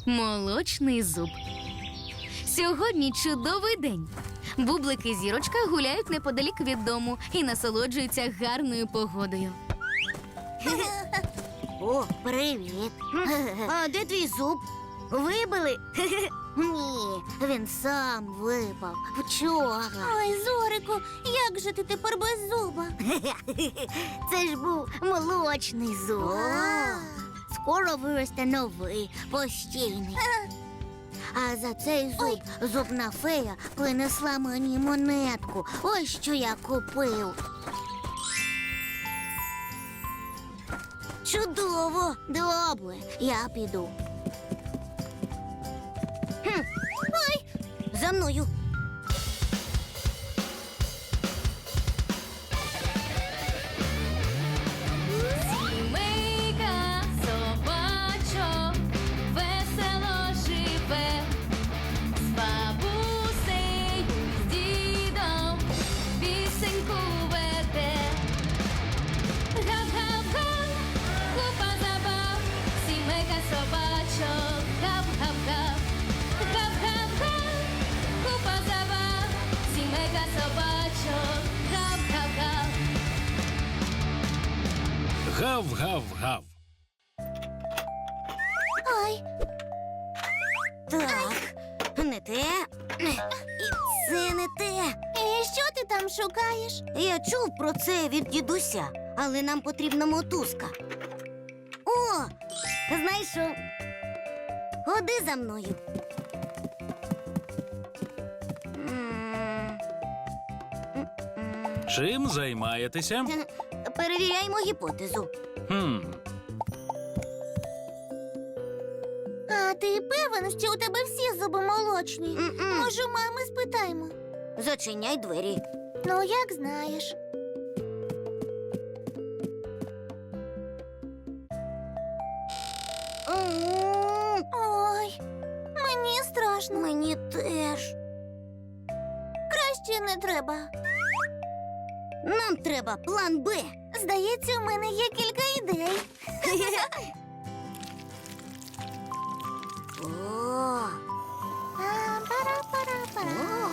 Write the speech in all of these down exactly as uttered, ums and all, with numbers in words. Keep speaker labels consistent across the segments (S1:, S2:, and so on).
S1: Молочний зуб. Сьогодні чудовий день. Бублик і Зірочка гуляють неподалік від дому і насолоджуються гарною погодою.
S2: О, привіт. А де твій зуб? Вибили? Ні, він сам випав вчора.
S3: Ой, Зорику, як же ти тепер без зуба?
S2: Це ж був молочний зуб. Скоро виросте новий, постійний. А за цей зуб зубна фея принесла мені монетку. Ось що я купив. Чудово! Добре, я піду. Хм. Ой, за мною.
S1: Сімейка собачок весело живе, з бабусею, з дідом пісеньку веде. Гав-гав-га, купа забав, сімейка собачок, гав-гав-гав. Гав-гав-га, купа забав, сімейка собачок, гав-гав-гав.
S4: Гав-гав-гав.
S3: Ой,
S2: Так, не те. І це не те.
S3: і що ти там шукаєш?
S2: Я чув про це від дідуся, але нам потрібна мотузка. О, знайшов. Ходи за мною. М. М-м.
S4: Чим займаєтеся?
S2: Перевіряємо гіпотезу.
S4: Хм.
S3: А ти певен, що у тебе всі зуби молочні?
S2: М-м.
S3: Може, у мами спитаємо?
S2: Зачиняй двері.
S3: Ну, як знаєш.
S2: М,
S3: Ой, мені страшно.
S2: Мені теж.
S3: Краще не треба.
S2: Нам треба план Б.
S3: Здається, у мене є кілька ідей.
S2: О,
S3: А, пара-пара-пара.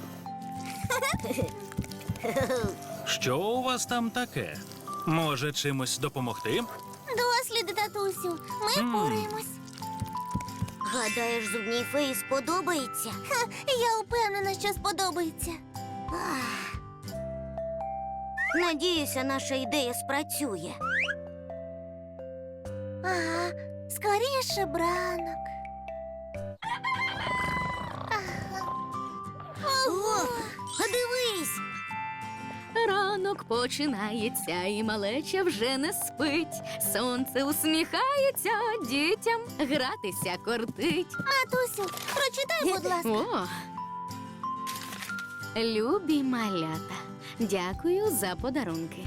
S4: Що у вас там таке? Може, чимось допомогти?
S3: Досліди, татусю, ми
S4: М.
S3: впораємось.
S2: гадаєш, зубній феї сподобається?
S3: Ха, я впевнена, що сподобається.
S2: Ах. Надіюся, наша ідея спрацює.
S3: Ага, скоріше бранок.
S2: О, дивись!
S1: Ранок починається, і малеча вже не спить. Сонце усміхається, дітям гратися кортить.
S3: Матусю, прочитай, будь ласка.
S1: О! Любі малята, дякую за подарунки.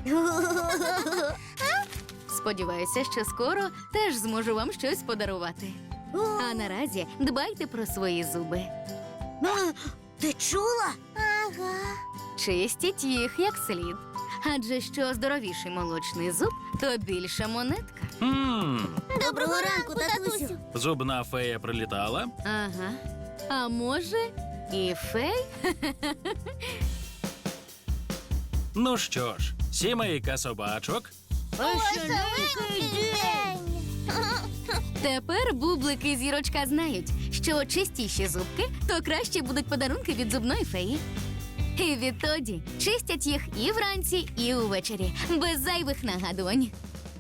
S1: Сподіваюся, що скоро теж зможу вам щось подарувати. А наразі дбайте про свої зуби.
S2: А, ти чула?
S3: Ага.
S1: Чистіть їх як слід. Адже що здоровіший молочний зуб, то більша монетка.
S4: Хм.
S2: Доброго ранку, татусю.
S4: Зубна фея прилітала?
S1: Ага. А може, і фей?
S4: Ну що ж, сімейка собачок.
S3: Веселенький день.
S1: Тепер Бублик і Зірочка знають, що чистіші зубки, то краще будуть подарунки від зубної феї. І відтоді чистять їх і вранці, і увечері, без зайвих нагадувань.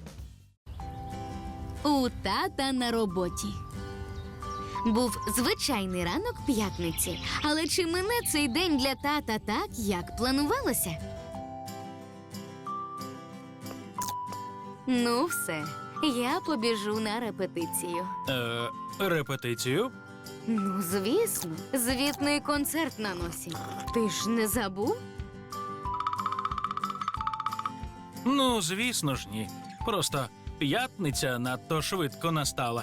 S1: У тата на роботі. Був звичайний ранок п'ятниці, але чи мине цей день для тата так, як планувалося? Ну все, я побіжу на репетицію.
S4: Е, репетицію?
S1: Ну, звісно, звітний концерт на носі. Ти ж не забув?
S4: Ну, звісно ж, ні. Просто п'ятниця надто швидко настала.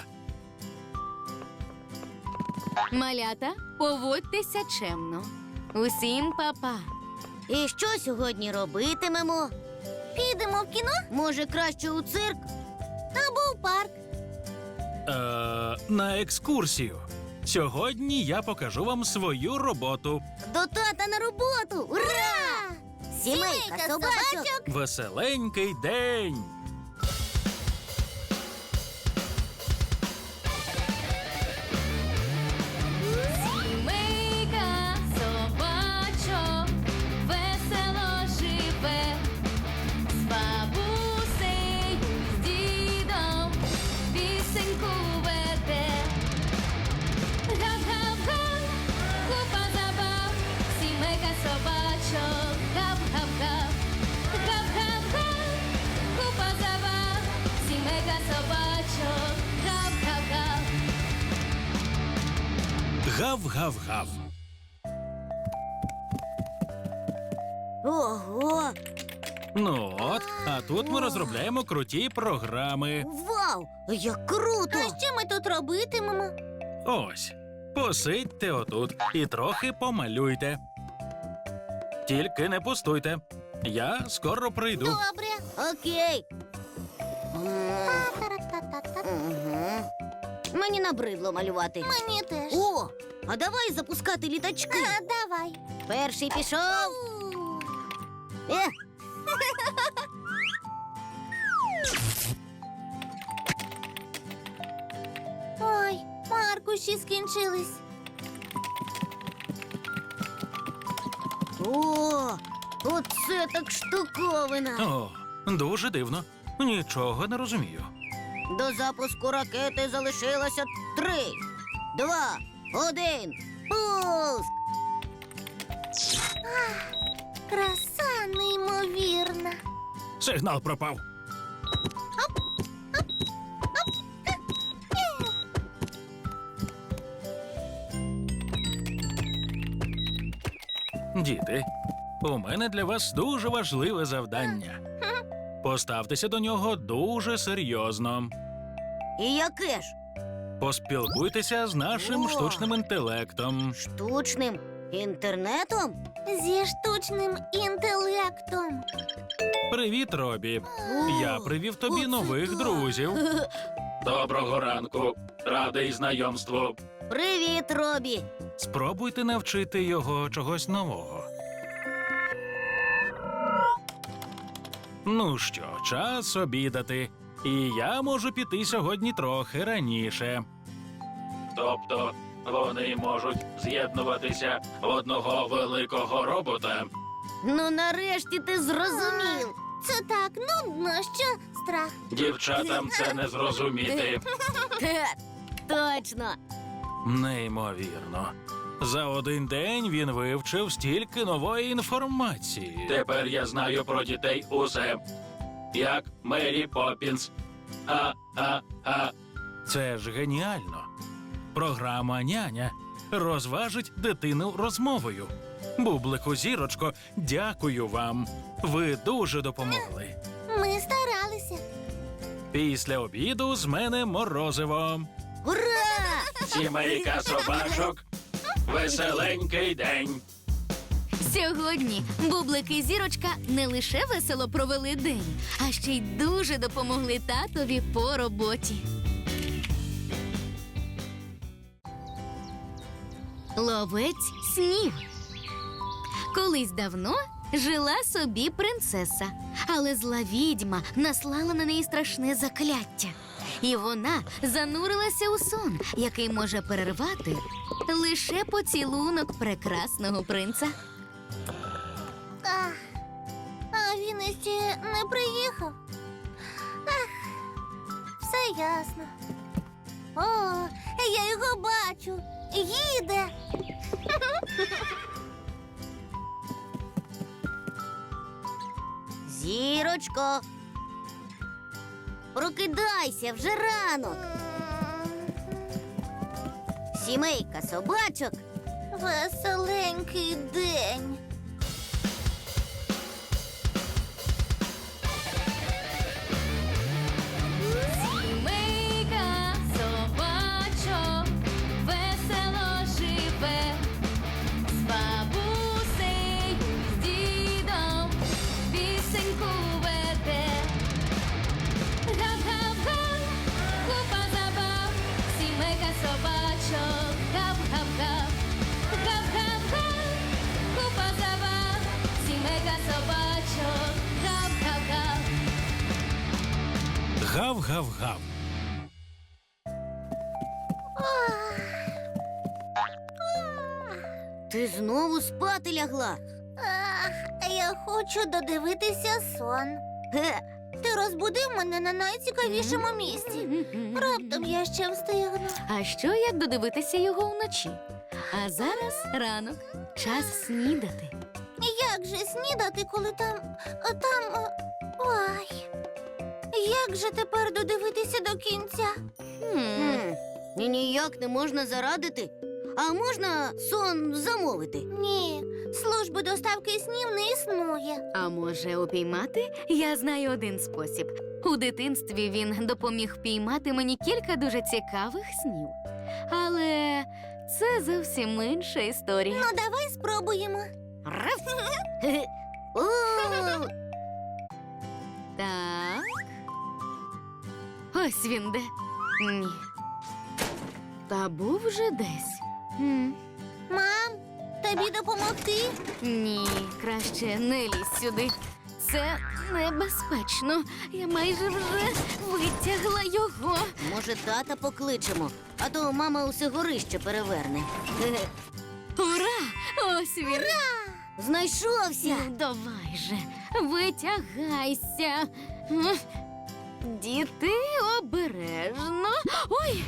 S1: Малята, поводьтеся чемно. Усім па-па.
S2: І що сьогодні робитимемо?
S3: Підемо в кіно
S2: Може, краще у цирк?
S3: або в парк.
S4: Е, на екскурсію. Сьогодні я покажу вам свою роботу.
S2: До тата на роботу! Ура! Сімейка собачок!
S4: Веселенький день!
S1: Сімейка собачок весело живе, з бабусею, з дідом пісеньку веде. Гав-гав-га, купа забав, сімейка собачок, гав-гав-гав. Гав-гав-га, купа забав, сімейка собачок, гав-гав-гав.
S4: Гав-гав-гав.
S2: Ого!
S4: Ну от, а тут ми розробляємо круті програми.
S2: Вау! Як круто!
S3: А що ми тут робитимемо?
S4: Ось, посидьте отут і трохи помалюйте. Тільки не пустуйте. Я скоро прийду.
S3: Добре.
S2: Окей. М,
S3: Та-та-та-та-та.
S2: мгм. Мені набридло малювати.
S3: Мені теж.
S2: О, а давай запускати літачки.
S3: А, давай.
S2: Перший пішов.
S3: У.
S2: Е,
S3: Ой, аркуші скінчились.
S2: о, оце так штуковина.
S4: О, дуже дивно. Нічого не розумію.
S2: До запуску ракети залишилося три, два, один. Пуск!
S3: Краса неймовірна.
S4: Сигнал пропав. Діти, у мене для вас дуже важливе завдання. Поставтеся до нього дуже серйозно.
S2: І яке ж?
S4: Поспілкуйтеся з нашим
S2: О!
S4: штучним інтелектом.
S2: Штучним інтернетом?
S3: Зі штучним інтелектом.
S4: Привіт, Робі.
S2: О,
S4: Я привів тобі
S2: оце
S4: нових
S2: так.
S4: друзів. Доброго ранку. Радий знайомству.
S2: Привіт, Робі.
S4: Спробуйте навчити його чогось нового. Ну що, час обідати. І я можу піти сьогодні трохи раніше. Тобто вони можуть з'єднуватися в одного великого робота.
S2: Ну, нарешті ти зрозумів.
S3: Це так нудно, що страх.
S4: Дівчатам це не зрозуміти.
S2: Хе, точно.
S4: Неймовірно. За один день він вивчив стільки нової інформації. Тепер я знаю про дітей усе. Як Мері Поппінс. А-а-а. Це ж геніально. Програма «Няня» розважить дитину розмовою. Бублику, зірочко, дякую вам. Ви дуже допомогли.
S3: Ми старалися.
S4: Після обіду з мене морозиво.
S2: Ура!
S4: Сімейка собачок. Веселенький день.
S1: Сьогодні Бублик і Зірочка не лише весело провели день, а ще й дуже допомогли татові по роботі. Ловець снів. Колись давно жила собі принцеса, але зла відьма наслала на неї страшне закляття. І вона занурилася у сон, який може перервати лише поцілунок прекрасного принца.
S3: А, а він іще не приїхав. Ах, все ясно. О, я його бачу. Їде.
S2: Зірочко. Прокидайся, вже ранок. Сімейка собачок.
S3: Веселенький день.
S1: Сімейка собачок весело живе, з бабусею, з дідом пісеньку веде. Гав-гав-га, купа забав, сімейка собачок, гап-гап-га, гап-гап-га, купа забав, сімейка собачок, гап-гап-га.
S4: Гав-гав-гав.
S2: Ти знову спати лягла.
S3: Ах, я хочу додивитися сон.
S2: Ге,
S3: Ти розбудив мене на найцікавішому місці. Раптом я ще встигну.
S1: А що як додивитися його вночі? А зараз ранок, час снідати.
S3: Як же снідати, коли там. там. е, Ой. Як же тепер додивитися до кінця?
S1: Хм.
S2: Хм, і ніяк не можна зарадити. А можна сон замовити?
S3: Ні, служби доставки снів не існує.
S1: А може, упіймати? Я знаю один спосіб. У дитинстві він допоміг впіймати мені кілька дуже цікавих снів. Але це зовсім інша історія.
S3: Ну, давай спробуємо.
S2: Раф. Хе-хе. О,
S1: Так. Ось він де. Ні. Та був вже десь. М.
S3: Мам, тобі допомогти?
S1: Ні, краще не лізь сюди. Це небезпечно. Я майже вже витягла його.
S2: може, тата покличемо, а то мама усе горище переверне. Хе-хе.
S1: Ура! Ось він.
S2: Знайшовся.
S1: Ну, давай же, витягайся. М. Діти, обережно. Ой.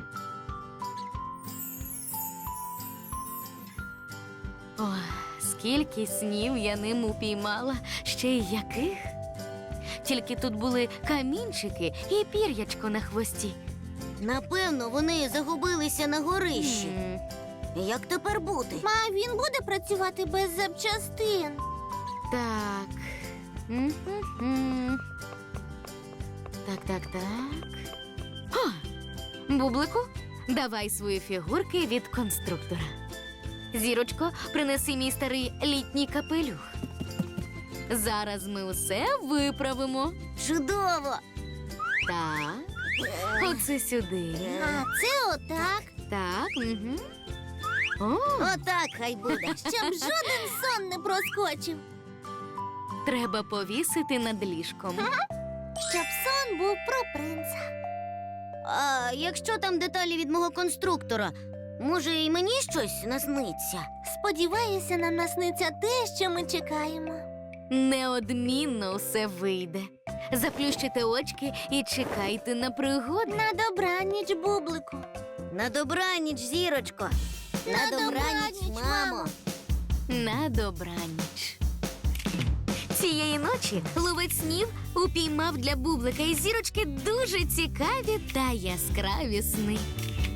S1: О, скільки снів я ним упіймала, ще й яких. Тільки тут були камінчики і пір'ячко на хвості.
S2: Напевно, вони загубилися на горищі.
S1: М.
S2: Як тепер бути?
S3: Ма, він буде працювати без запчастин.
S1: Так. М-м-м. Так, так, так. О! Бублику, давай свої фігурки від конструктора. Зірочко, принеси мій старий літній капелюх. Зараз ми усе виправимо.
S2: Чудово!
S1: Так. Оце сюди.
S3: А це отак,
S1: Так. Угу. О,
S2: Отак хай буде.
S3: щоб жоден сон не проскочив.
S1: треба повісити над ліжком.
S3: Щоб сон був про принца.
S2: А якщо там деталі від мого конструктора, може, і мені щось насниться?
S3: Сподіваюся, нам насниться те, що ми чекаємо.
S1: Неодмінно все вийде. Заплющите очки і чекайте на пригоди.
S3: На добраніч, бублику.
S2: На добраніч, зірочко.
S3: На добраніч, мамо.
S1: На добраніч. Цієї ночі ловець снів упіймав для бублика і зірочки дуже цікаві та яскраві сни.